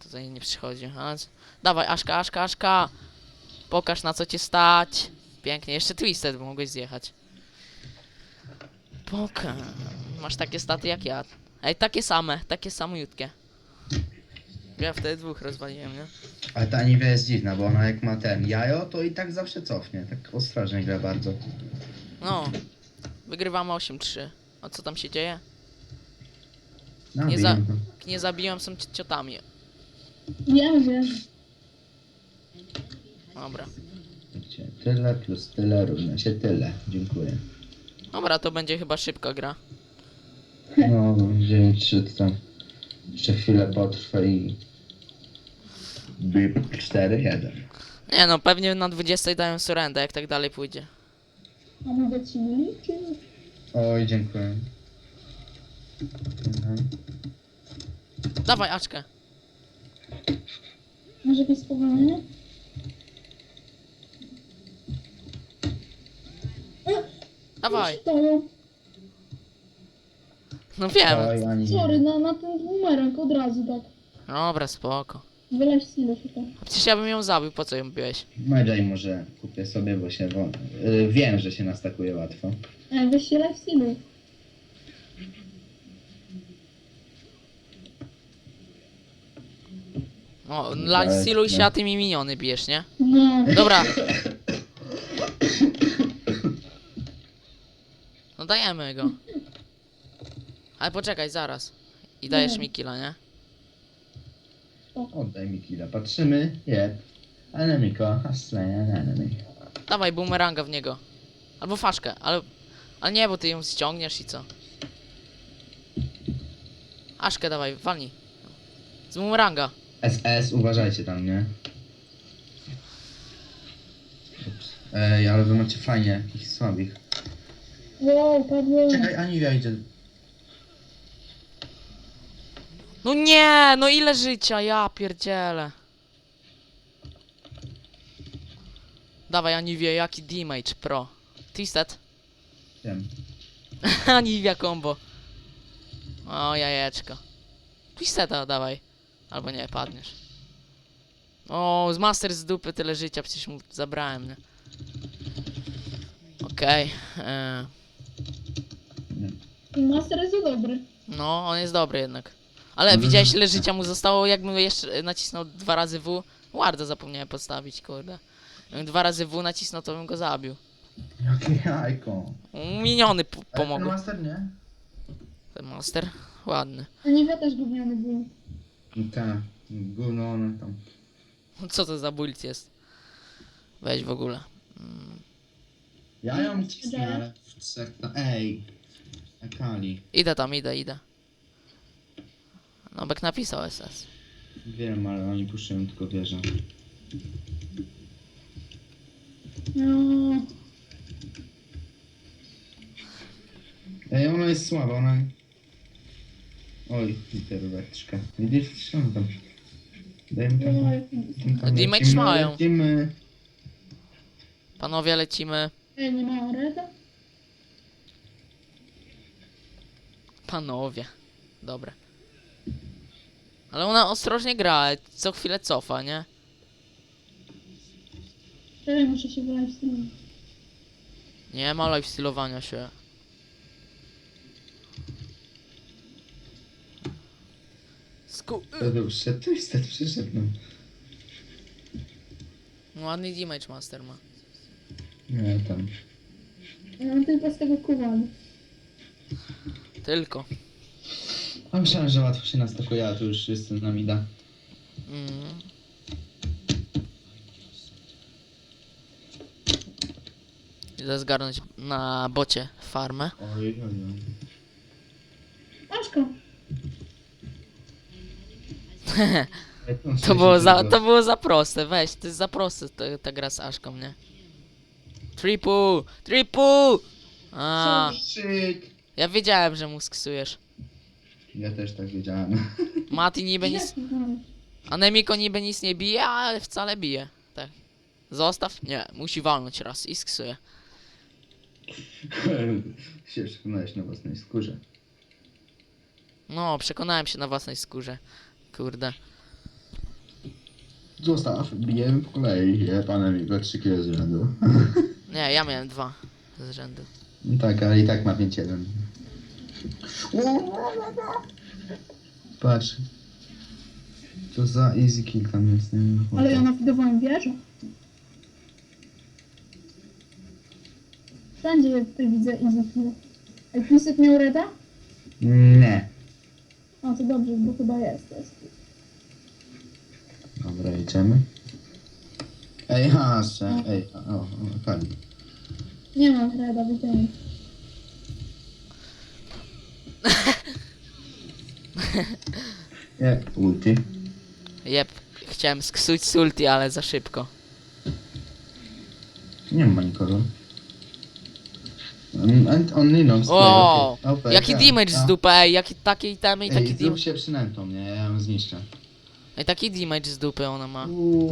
tutaj nie przychodzi. Dawaj, Aszka, Aszka, Aszka! Pokaż na co cię stać. Pięknie, jeszcze Twisted mogłeś zjechać. Pokaż. Masz takie staty jak ja. Ej, takie samiutkie. Ja wtedy dwóch rozwaliłem, nie? Ale ta Aniwia jest dziwna, bo ona jak ma ten jajo, to i tak zawsze cofnie. Tak ostrożnie gra bardzo. No. Wygrywamy 8-3. A co tam się dzieje? No, Nie wiem. Nie zabiłem, są ciotami. Wiem. Dobra. Wiecie, tyle plus tyle równa się tyle. Dziękuję. Dobra, to będzie chyba szybka gra. No, 9-3 to tam jeszcze chwilę potrwa i... 4-1. Nie no, pewnie na 20 dają surrender, jak tak dalej pójdzie. A mogę ci liczyć? Oj, dziękuję. Mhm. Dawaj, Aczkę. Może jakieś spowolnienie? Dawaj. To, No wiem. Oj, Ani. sorry, na ten numerek od razu tak. Dobra, spoko. Wyleź z ilu się to. A przecież ja bym ją zabił, po co ją biłeś? Medjay może kupię sobie, bo się... wiem, że się nastakuje łatwo. Weź się leć z ilu. O, siluj się, a ty mi miniony bijesz, nie? No. Dobra. No dajemy go. Ale poczekaj, zaraz. I dajesz mi killa, nie? Oddaj mi killa. Patrzymy. Jeb. Enemiko. Slain an enemy. Dawaj boomeranga w niego. Albo faszkę, ale nie, bo ty ją ściągniesz i co? Aszkę dawaj, walnij. Z boomeranga. SS, uważajcie tam, nie? Ups. Ej, ale wy macie fajnie, jakichś słabych. Wow, padłem. Czekaj, Aniwia idzie. No nie, no ile życia, ja pierdzielę. Dawaj Aniwie, jaki damage pro. Twisted. Wiem. Aniwia combo. O jajeczko. Twisteda dawaj. Albo nie, padniesz. O, z master z dupy tyle życia, przecież mu zabrałem, nie? Okej. Master jest za dobry. No, on jest dobry jednak. Ale widziałeś ile życia mu zostało, jakbym jeszcze nacisnął 2 razy W. Warda zapomniałem postawić, kurde. Jakbym 2 razy W nacisnął, to bym go zabił. Jakie jajko. Miniony Ten pomogły. master nie? Ten master, ładny. A nie też gówniany był. Tak. Gówno one tam. Co to za build jest? Weź w ogóle. Ja ją cisnę, ale w trzech... No, ej. Akali. Idę tam, idę. No, Bek napisał SS. Wiem, ale oni puszczają tylko wieżę. No. Ej, ona jest słaba, ona... Oj, literóweczka. Widzisz, co tam? Dajmy tam... Damage lecimy, mają. lecimy. Panowie, lecimy. Ej, nie ma reda? Panowie. Dobre. Ale ona ostrożnie gra, co chwilę cofa, nie? Ej, muszę się wylać z tym. Nie ma lifestylowania się. To przyszedł, Twisted przyszedł, no. Ładny damage master ma. Nie, tam. Ja mam tylko z tego kuwany. Tylko. A myślałem, że łatwo się nastakuje, a tu już jestem na mida. Mm. Idę zgarnąć na bocie farmę. Oj, oj, oj. Aszka. To było za proste, weź, to jest za proste ta gra z Aszką, nie? Triple! A, Szyk. ja wiedziałem, że mu sksujesz. Ja też tak wiedziałem. Mati niby nic, Anemiko niby nic nie bije, ale wcale bije. Tak. Zostaw? Nie, musi walnąć raz i sksuje. się przekonałeś na własnej skórze. No, przekonałem się na własnej skórze. Kurde. Zostaw, bijemy po kolei. Je panem i 3 kg z rzędu. Nie, ja miałem 2 z rzędu. No tak, ale i tak ma 5-1. Patrz. Co za easy kill tam jest, nie wiem. Ale ja nawidowałem wieżę. Wszędzie ja tutaj widzę easy kill. Ej, Pisek miał reda? Nie. O, to dobrze, bo chyba jest. Dobra, idziemy. Ej, hasę. Ej, Kali. Nie mam reda, widziałem. Nie, ulti. Jep, chciałem sksuć z ulti, ale za szybko. Nie ma nikogo. On Linux. O, Okay. jaki damage z dupy, ej, jaki takie itemy i taki Ej, zrób damage. się przynętą, nie? Ja ją zniszczę. Ej, taki damage z dupy ona ma.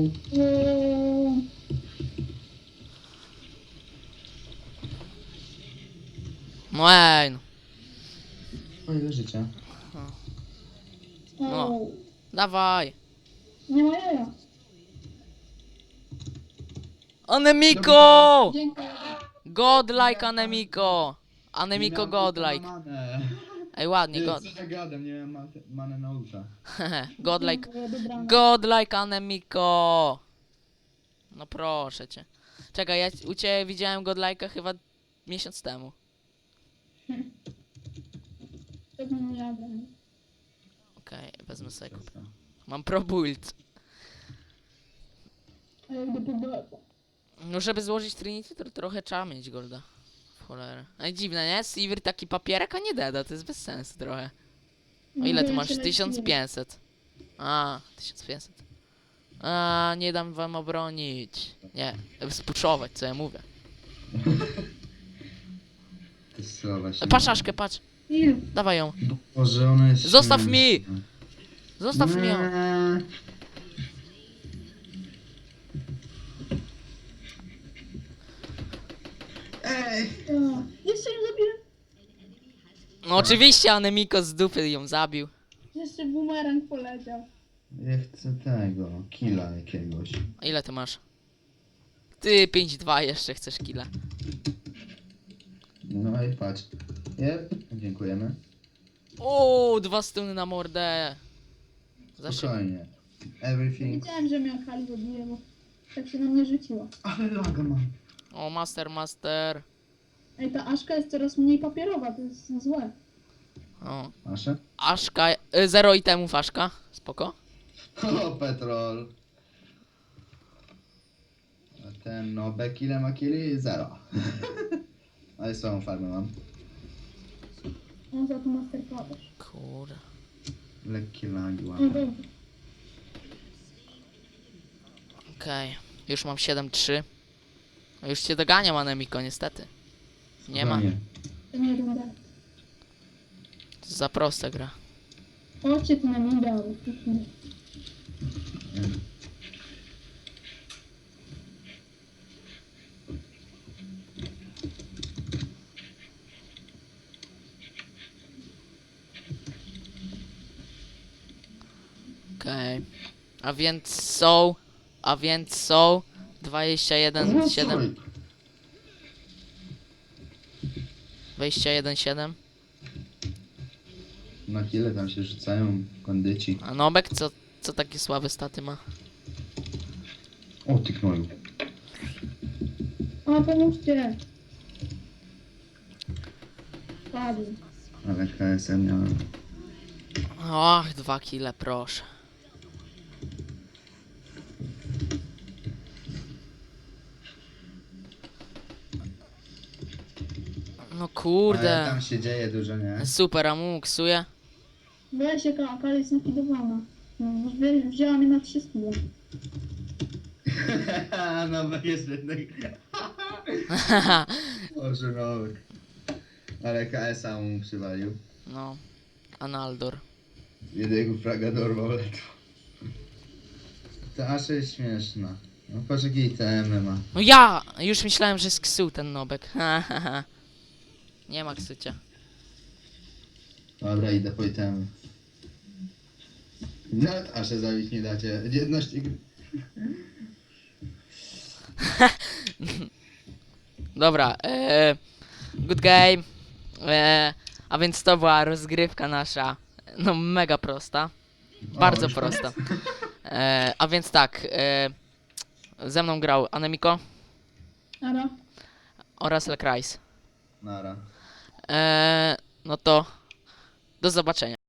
No ej, no. O ile życia. No. Dawaj. Nie ma jaja. Anemiko! Dziękuję. Godlike Anemiko! Anemiko godlike. Ej, ładnie, god. Co ja gadam, nie miałem manę na ulta. Godlike. Dziękuję, dobranoc. Godlike Anemiko! No proszę cię. Czekaj, ja u ciebie widziałem godlike'a chyba miesiąc temu. Pewnie nie jadę. Okej, wezmę sobie kup. Mam pro build. A ja idę po bota. No żeby złożyć Trinity to trochę trzeba mieć golda. W cholerę. Ej, dziwne, nie? Sivir taki papierek, a nie deda, to jest bez sensu trochę. O ile ty masz? 1500. A, 1500. A, nie dam wam obronić. Nie, spuczować, co ja mówię. Te słowa się... Patrz Aszkę, patrz. Ile? Dawaj ją. Boże, ona jest... Zostaw mi! Zostaw mi ją. Nie. Ej! A, jeszcze ją zabiłem. No oczywiście Anemiko z dupy ją zabił. Jeszcze bumerang poleciał. Ja chcę tego, killa jakiegoś. A ile ty masz? Ty 5-2 jeszcze chcesz killa. No i patrz. Jep, dziękujemy. O, 2 stuny na mordę. Za szybko. Spokojnie. Everything. Wiedziałem, że mnie Akali zabije, bo tak się na mnie rzuciła. Ale laga mam. O, master. Ej, ta Aszka jest coraz mniej papierowa, to jest złe. O. Nasze? Aszka, 0 itemów Aszka. Spoko. O, petrol. A ten Nobek ile ma killi? 0. Ale swoją farmę mam. On za to masterclass. Kurde. Lekkie lagi No mam. dobrze. Okej. Już mam 7-3. No już cię doganiam Anemiko, niestety. Nie ma. Spokojnie. To nie runda. To jest za prosta gra. Chodźcie tu na mida, ale tu nie. Okej. A więc są 21-7. 21-7. Na chwilę tam się rzucają kondyci. A Nobek co takie słabe staty ma? O, ty knoju. A, pomóżcie. Padł. Ale KSM miałem. Och, 2 kile, proszę. No Ale kurde. tam się dzieje dużo, nie? Super, a mu ksuje. Weź jaka Akali jest nafidowana. No, wzięła mnie na 3 skille. Nowek jest jednak. Boże, Nowek. Ale KSA mu przywalił. No. Analdor. Jednego fraga dorwał ledwo. Ta Asha jest śmieszna. No patrz jakie itemy ma. No ja! Już myślałem, że sksuł ten Nobek. Nie ma ksucia. Dobra, idę po itemy. Nawet Aszę zabić nie dacie. Jedność gry. Dobra, good game. A więc to była rozgrywka nasza, no mega prosta, bardzo już prosta. A więc tak, ze mną grał Anemiko Ara. oraz Lekrais. Nara. No to do zobaczenia.